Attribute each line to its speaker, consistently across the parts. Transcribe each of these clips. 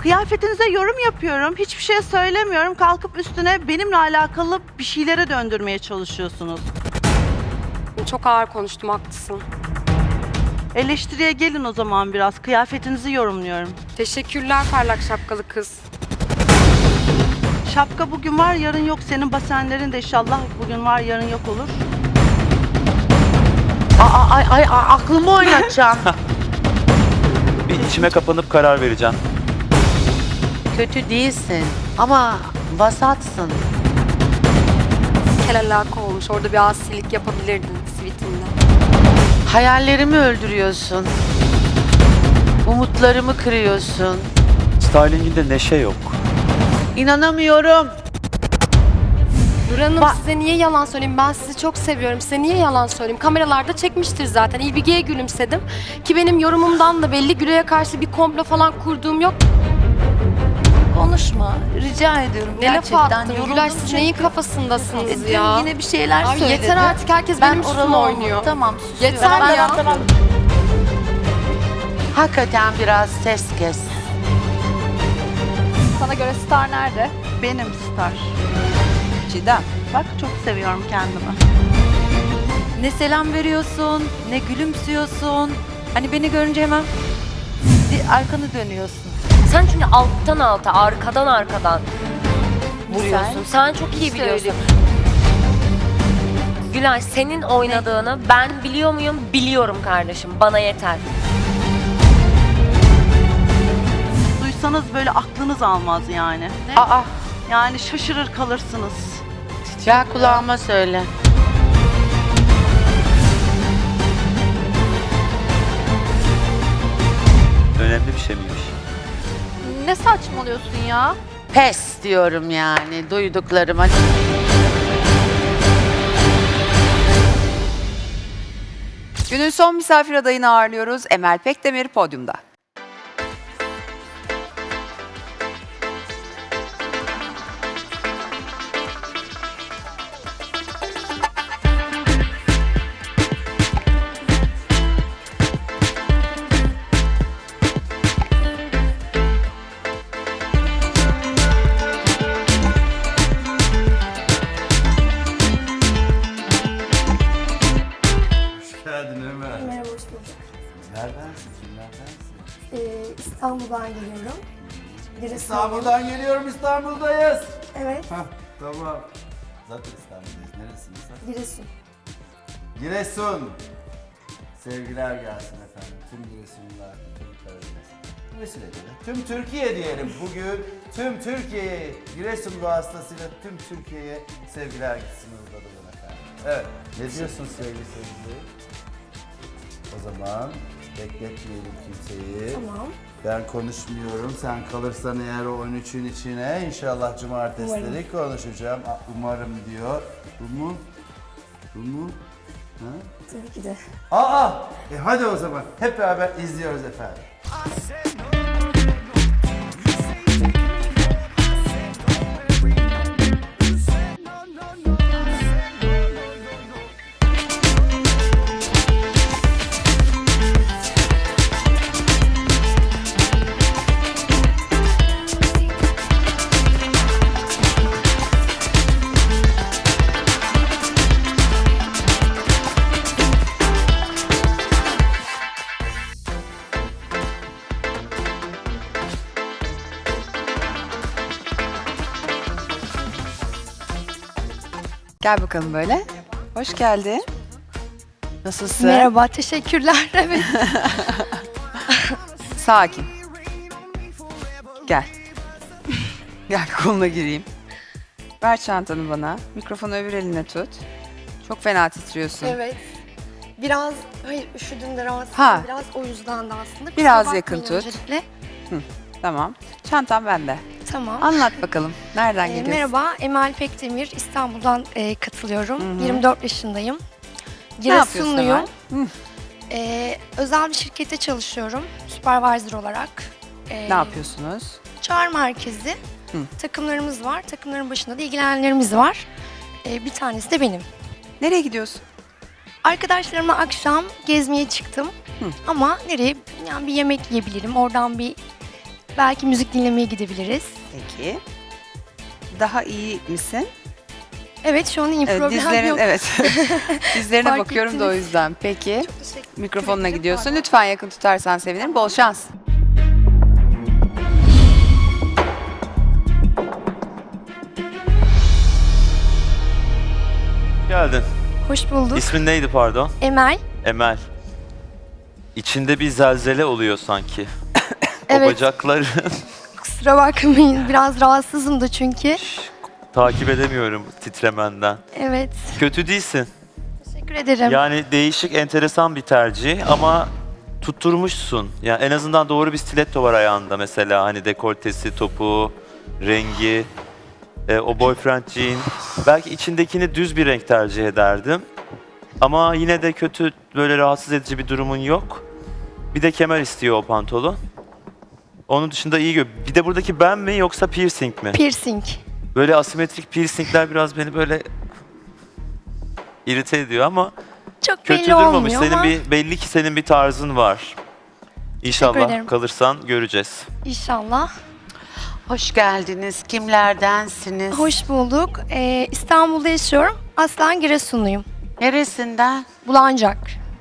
Speaker 1: Kıyafetinize yorum yapıyorum. Hiçbir şey söylemiyorum. Kalkıp üstüne benimle alakalı bir şeylere döndürmeye çalışıyorsunuz.
Speaker 2: Çok ağır konuştum, haklısın.
Speaker 1: Eleştiriye gelin o zaman biraz. Kıyafetinizi yorumluyorum.
Speaker 2: Teşekkürler parlak şapkalı kız.
Speaker 1: Şapka bugün var, yarın yok. Senin basenlerin de inşallah bugün var, yarın yok olur.
Speaker 3: Aklımı oynatacağım.
Speaker 4: Bir içime kapanıp karar vereceğim.
Speaker 3: Kötü değilsin ama vasatsın.
Speaker 2: Kel alaka olmuş. Orada bir asilik yapabilirdin sivitinden.
Speaker 3: Hayallerimi öldürüyorsun. Umutlarımı kırıyorsun.
Speaker 4: Styling'inde neşe yok.
Speaker 3: İnanamıyorum.
Speaker 2: Nur Hanım size niye yalan söyleyeyim? Ben sizi çok seviyorum. Size niye yalan söyleyeyim? Kameralarda çekmiştir zaten. İlbige'ye gülümsedim. Ki benim yorumumdan da belli. Gülay'a karşı bir komplo falan kurduğum yok.
Speaker 5: Konuşma. Rica ediyorum
Speaker 2: Ne laf
Speaker 5: gerçekten.
Speaker 2: attın?
Speaker 5: Yoruldum
Speaker 2: Gülay siz
Speaker 5: çünkü.
Speaker 2: neyin kafasındasınız
Speaker 5: Dün
Speaker 2: ya?
Speaker 5: yine bir şeyler
Speaker 2: Abi
Speaker 5: söyledi.
Speaker 2: yeter artık, herkes
Speaker 5: Ben
Speaker 2: benim üstüme
Speaker 5: oralı
Speaker 2: oynuyor.
Speaker 5: Tamam susuyorum.
Speaker 2: Yeter ya.
Speaker 3: Hakikaten biraz ses kes.
Speaker 6: Sana göre star nerede?
Speaker 1: Benim star.
Speaker 6: Çiğdem.
Speaker 1: Bak çok seviyorum kendimi.
Speaker 6: Ne selam veriyorsun, ne gülümsüyorsun. Hani beni görünce hemen arkanı dönüyorsun.
Speaker 7: Sen çünkü alttan alta, arkadan arkadan vuruyorsun. Sen çok iyi biliyorsun. Gülay, senin oynadığını ben biliyor muyum? Biliyorum kardeşim. Bana yeter.
Speaker 1: Duysanız böyle aklınız almaz yani.
Speaker 3: Aa,
Speaker 1: Yani şaşırır kalırsınız.
Speaker 3: ya kulağıma söyle.
Speaker 4: Önemli bir şey miymiş?
Speaker 6: Ne saçmalıyorsun ya?
Speaker 3: Pes diyorum yani duyduklarıma.
Speaker 8: Günün son misafir adayını ağırlıyoruz. Emel Pekdemir podyumda.
Speaker 9: Geldin Ömer.
Speaker 10: Merhaba, hoş bulduk.
Speaker 9: Neredensin? Kimlerdensin?
Speaker 10: İstanbul'dan geliyorum.
Speaker 9: İstanbul'dan geliyorum, İstanbul'dayız.
Speaker 10: Evet,
Speaker 9: Hah, tamam. Zaten İstanbul'dayız. Neresiniz sen?
Speaker 10: Giresun.
Speaker 9: Giresun. Sevgiler gelsin efendim. Tüm Giresunlular, tüm Karadeniz. Bu vesileyle de tüm Türkiye diyelim. Bugün tüm Türkiye'ye, Giresun vasıtasıyla tüm Türkiye'ye sevgiler gitsin uğurladım efendim. Evet. Ne diyorsun sevgili seyirciler? O zaman bekletmeyelim kimseyi.
Speaker 10: Tamam.
Speaker 9: Ben konuşmuyorum. Sen kalırsan eğer o 13'ün içine inşallah cumartesileri konuşacağım. Umarım diyor. Bu mu? Bu mu? Ha?
Speaker 10: Tabii ki de.
Speaker 9: Aa! Hadi o zaman. Hep beraber izliyoruz efendim.
Speaker 8: Gel bakalım böyle. Hoş geldin. Nasılsın?
Speaker 10: Merhaba, teşekkürler. Evet.
Speaker 8: Sakin. Gel. Gel koluna gireyim. Ver çantanı bana. Mikrofonu öbür eline tut. Çok fena titriyorsun.
Speaker 10: Evet. Biraz, hayır üşüdüm de rahatsızım.
Speaker 8: Ha.
Speaker 10: Biraz o yüzden de aslında. Kusura
Speaker 8: Biraz
Speaker 10: bakmayın
Speaker 8: yakın tut.
Speaker 10: öncelikle.
Speaker 8: Tamam. Çantam bende.
Speaker 10: Tamam.
Speaker 8: Anlat bakalım. Nereden geliyorsun?
Speaker 10: Merhaba, Emel Pekdemir. İstanbul'dan katılıyorum.
Speaker 8: Hı hı.
Speaker 10: 24 yaşındayım.
Speaker 8: Ne yapıyorsun
Speaker 10: Giresunluyum.
Speaker 8: Emel?
Speaker 10: Özel bir şirkette çalışıyorum. Supervisor olarak.
Speaker 8: Ne yapıyorsunuz?
Speaker 10: Çağrı merkezi.
Speaker 8: Hı.
Speaker 10: Takımlarımız var. Takımların başında da ilgilenenlerimiz var. Bir tanesi de benim.
Speaker 8: Nereye gidiyorsun?
Speaker 10: Arkadaşlarımla akşam gezmeye çıktım.
Speaker 8: Hı.
Speaker 10: Ama nereye? Yani bir yemek yiyebilirim. Oradan bir Belki müzik dinlemeye gidebiliriz.
Speaker 8: Peki. Daha iyi misin?
Speaker 10: Evet şu an iyi
Speaker 8: Evet,
Speaker 10: problem
Speaker 8: dizlerin,
Speaker 10: yok.
Speaker 8: evet. Dizlerine
Speaker 10: Fark
Speaker 8: bakıyorum da o
Speaker 10: ettiniz.
Speaker 8: yüzden. Peki.
Speaker 10: Teşekkür
Speaker 8: Mikrofonuna
Speaker 10: ederim.
Speaker 8: gidiyorsun. Lütfen yakın tutarsan sevinirim. Bol şans.
Speaker 4: Geldin.
Speaker 10: Hoş bulduk.
Speaker 4: İsmin neydi pardon?
Speaker 10: Emel.
Speaker 4: Emel. İçinde bir zelzele oluyor sanki. O
Speaker 10: Evet.
Speaker 4: bacakların
Speaker 10: Kusura bakmayın. Biraz rahatsızım da çünkü.
Speaker 4: takip edemiyorum titremenden.
Speaker 10: Evet.
Speaker 4: Kötü değilsin.
Speaker 10: Teşekkür ederim.
Speaker 4: Yani değişik, enteresan bir tercih ama tutturmuşsun. Yani en azından doğru bir stiletto var ayağında mesela. Hani dekoltesi, topuğu, rengi, o boyfriend jean. Belki içindekini düz bir renk tercih ederdim. Ama yine de kötü, böyle rahatsız edici bir durumun yok. Bir de kemer istiyor o pantolon. Onun dışında iyi bir de buradaki ben mi yoksa piercing mi?
Speaker 10: Piercing.
Speaker 4: Böyle asimetrik piercingler biraz beni böyle irite ediyor ama
Speaker 10: Çok
Speaker 4: kötü
Speaker 10: belli
Speaker 4: durmamış.
Speaker 10: olmuyor
Speaker 4: Senin
Speaker 10: ama
Speaker 4: belli ki senin bir tarzın var. İnşallah
Speaker 10: ederim.
Speaker 4: kalırsan göreceğiz.
Speaker 10: inşallah.
Speaker 3: Hoş geldiniz. Kimlerdensiniz?
Speaker 10: Hoş bulduk. İstanbul'da yaşıyorum. Aslen Giresunluyum.
Speaker 3: Neresinden?
Speaker 10: Bulancak.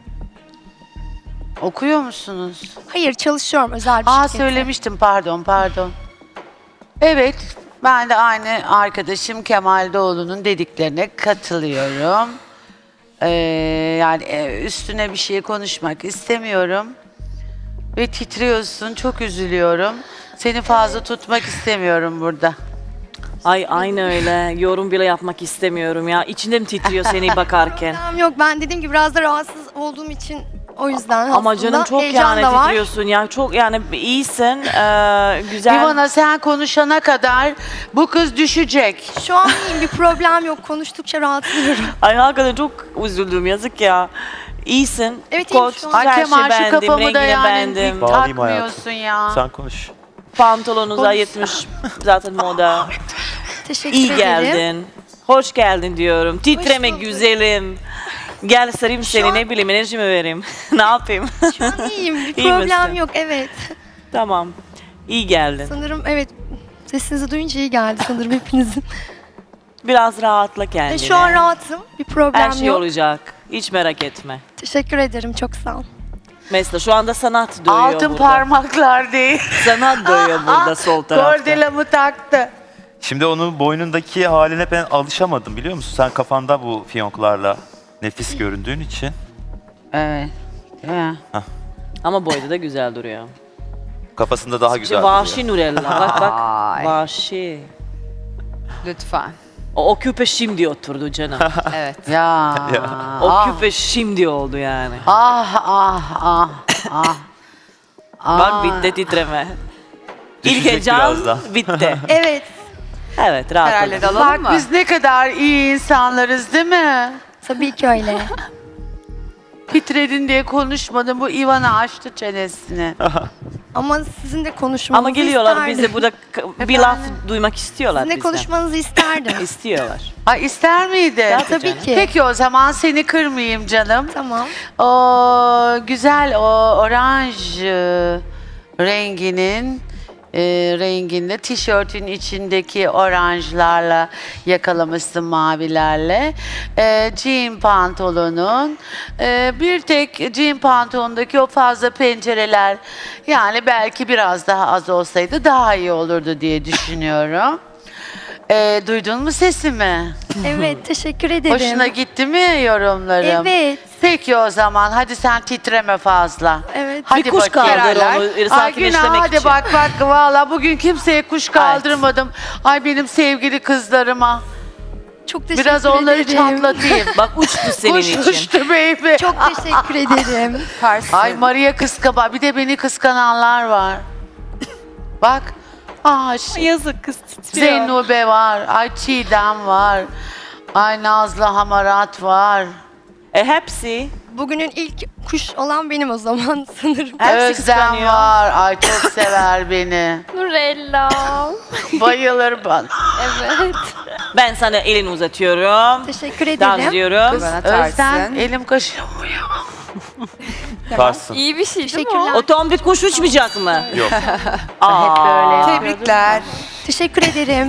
Speaker 3: Okuyor musunuz?
Speaker 10: Hayır çalışıyorum özel bir
Speaker 3: Aa
Speaker 10: şirkette.
Speaker 3: söylemiştim, pardon. Evet, ben de aynı arkadaşım Kemal Doğulu'nun dediklerine katılıyorum. Yani üstüne bir şey konuşmak istemiyorum. Ve titriyorsun, çok üzülüyorum. Seni fazla tutmak istemiyorum burada.
Speaker 5: Ay aynı öyle. Yorum bile yapmak istemiyorum ya. İçimden titriyor seni bakarken.
Speaker 10: Tamam yok ben dediğim gibi biraz da rahatsız olduğum için o yüzden
Speaker 5: Ama
Speaker 10: aslında
Speaker 5: canım çok
Speaker 10: heyecan
Speaker 5: yani
Speaker 10: da var.
Speaker 5: titriyorsun ya. Çok yani iyisin. Güzel.
Speaker 3: İvana sen konuşana kadar bu kız düşecek.
Speaker 10: Şu an iyiyim bir problem yok konuştukça rahatlıyorum.
Speaker 5: Ay hakikaten çok üzüldüm yazık ya. İyisin.
Speaker 10: Evet, iyiyim
Speaker 5: Kot,
Speaker 10: şu an.
Speaker 3: Ay
Speaker 5: her
Speaker 3: Kemal
Speaker 5: şey
Speaker 3: şu
Speaker 5: beğendim.
Speaker 3: kafamı da
Speaker 5: Rengini
Speaker 3: yani
Speaker 5: beğendim.
Speaker 4: Bağlayayım
Speaker 3: takmıyorsun ya.
Speaker 4: Sen konuş.
Speaker 5: Pantolonun da 70 zaten moda.
Speaker 10: Teşekkür
Speaker 5: İyi
Speaker 10: ederim.
Speaker 5: geldin. Hoş geldin diyorum. Titreme
Speaker 10: bulduk.
Speaker 5: güzelim. Gel sarayım seni
Speaker 10: an-
Speaker 5: ne bileyim enerjimi vereyim. Ne yapayım?
Speaker 10: Şu an iyiyim bir
Speaker 5: İyi
Speaker 10: problem
Speaker 5: misin?
Speaker 10: yok evet.
Speaker 5: Tamam. İyi geldin.
Speaker 10: Sanırım evet sesinizi duyunca iyi geldi sanırım hepinizin.
Speaker 5: Biraz rahatla kendine.
Speaker 10: Şu an rahatım bir problem
Speaker 5: Her şey
Speaker 10: yok.
Speaker 5: olacak. Hiç merak etme.
Speaker 10: Teşekkür ederim çok sağ ol.
Speaker 5: Mesela şu anda sanat duyuyor
Speaker 3: Altın
Speaker 5: burada.
Speaker 3: parmaklar değil.
Speaker 5: Sanat duyuyor burada sol tarafta.
Speaker 3: Kordelamı taktı.
Speaker 4: Şimdi onun boynundaki haline ben alışamadım biliyor musun? Sen kafanda bu fiyonklarla nefis göründüğün için.
Speaker 3: Evet. Ya.
Speaker 5: Ama boyda da güzel duruyor.
Speaker 4: Kafasında daha güzel
Speaker 5: Vahşi
Speaker 4: duruyor.
Speaker 5: Nurella. Bak bak.
Speaker 8: Ay.
Speaker 5: Vahşi.
Speaker 8: Lütfen.
Speaker 5: O küpe şimdi oturdu canım.
Speaker 8: Evet.
Speaker 3: Ya.
Speaker 5: O
Speaker 3: ah.
Speaker 5: küpe şimdi oldu yani.
Speaker 3: Ah.
Speaker 5: Bak bitti titreme. İlk
Speaker 4: Düşecek
Speaker 5: heyecan
Speaker 4: birazdan.
Speaker 5: bitti.
Speaker 10: Evet
Speaker 5: Evet rahat
Speaker 8: Herhalde
Speaker 5: olun.
Speaker 8: de alalım
Speaker 3: Bak
Speaker 8: mı?
Speaker 3: biz ne kadar iyi insanlarız değil mi?
Speaker 10: tabii ki öyle.
Speaker 3: Titredin diye konuşmadım. Bu Ivana açtı çenesini.
Speaker 10: Ama sizin de konuşmanızı
Speaker 5: Ama geliyorlar
Speaker 10: isterdim.
Speaker 5: bize burada bir laf duymak istiyorlar
Speaker 10: Sizin de
Speaker 5: bizden.
Speaker 10: konuşmanızı isterdim.
Speaker 5: İstiyorlar.
Speaker 3: Ay ister miydi?
Speaker 10: Tabii
Speaker 5: canım.
Speaker 10: ki.
Speaker 3: Peki o zaman seni kırmayayım canım.
Speaker 10: Tamam.
Speaker 3: O güzel o oranj renginin renginde tişörtün içindeki oranjlarla yakalamışsın mavilerle. Jean pantolonun bir tek jean pantolondaki o fazla pencereler yani belki biraz daha az olsaydı daha iyi olurdu diye düşünüyorum. Duydun mu sesimi?
Speaker 10: Evet teşekkür ederim.
Speaker 3: Hoşuna gitti mi yorumlarım?
Speaker 10: Evet.
Speaker 3: Peki o zaman hadi sen titreme fazla.
Speaker 10: Evet.
Speaker 3: Hadi
Speaker 5: Bir kuş
Speaker 3: bakayım.
Speaker 5: kaldır onu
Speaker 3: Ay Günah
Speaker 5: sakinleştirmek
Speaker 3: hadi
Speaker 5: için.
Speaker 3: bak valla bugün kimseye kuş kaldırmadım. Ay benim sevgili kızlarıma.
Speaker 10: Çok teşekkür
Speaker 3: Biraz onları
Speaker 10: ederim.
Speaker 3: çatlatayım.
Speaker 5: Bak uçtu senin
Speaker 3: Kuş
Speaker 5: için.
Speaker 3: uçtu baby.
Speaker 10: Çok teşekkür ederim.
Speaker 8: Süpersin.
Speaker 3: Ay Maria kıskaba. Bir de beni kıskananlar var. Bak.
Speaker 5: Yazık kız titriyor.
Speaker 3: Zeynube var. Ay Çiğdem var. Ay Nazlı Hamarat var.
Speaker 5: Hepsi.
Speaker 10: Bugünün ilk kuş olan benim o zaman sanırım.
Speaker 5: Hepsi
Speaker 3: Özlem
Speaker 5: kıskanıyor.
Speaker 3: var. Ay çok sever beni.
Speaker 2: Nurella.
Speaker 3: Bayılır bana.
Speaker 2: Evet.
Speaker 5: Ben sana elini uzatıyorum.
Speaker 10: Teşekkür ederim.
Speaker 5: Dans ediyorum.
Speaker 8: Bana
Speaker 3: Özden
Speaker 8: tarsın.
Speaker 3: elim kaşıyor.
Speaker 4: Tarsın.
Speaker 6: İyi bir şey değil mi
Speaker 10: Teşekkürler.
Speaker 5: O tombik kuş uçmayacak mı?
Speaker 4: Yok.
Speaker 3: Hep böyle.
Speaker 8: Tebrikler.
Speaker 10: Teşekkür ederim.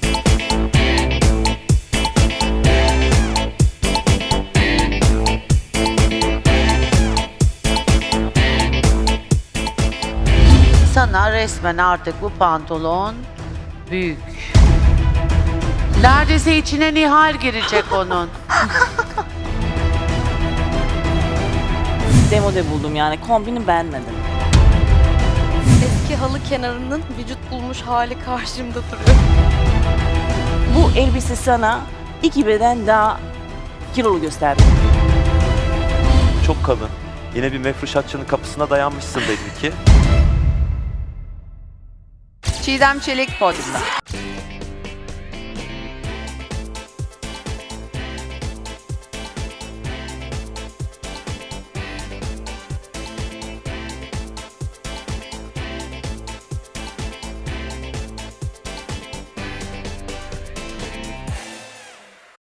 Speaker 3: Sana resmen artık bu pantolon büyük. Neredeyse içine Nihal girecek onun.
Speaker 5: Demode buldum yani. Kombini beğenmedim.
Speaker 2: Eski halı kenarının vücut bulmuş hali karşımda duruyor.
Speaker 5: Bu elbise sana 2 beden daha kilolu gösterdi.
Speaker 4: Çok kalın. Yine bir mefruşatçının kapısına dayanmışsın belli ki.
Speaker 8: Çiğdem Çelik podyumda.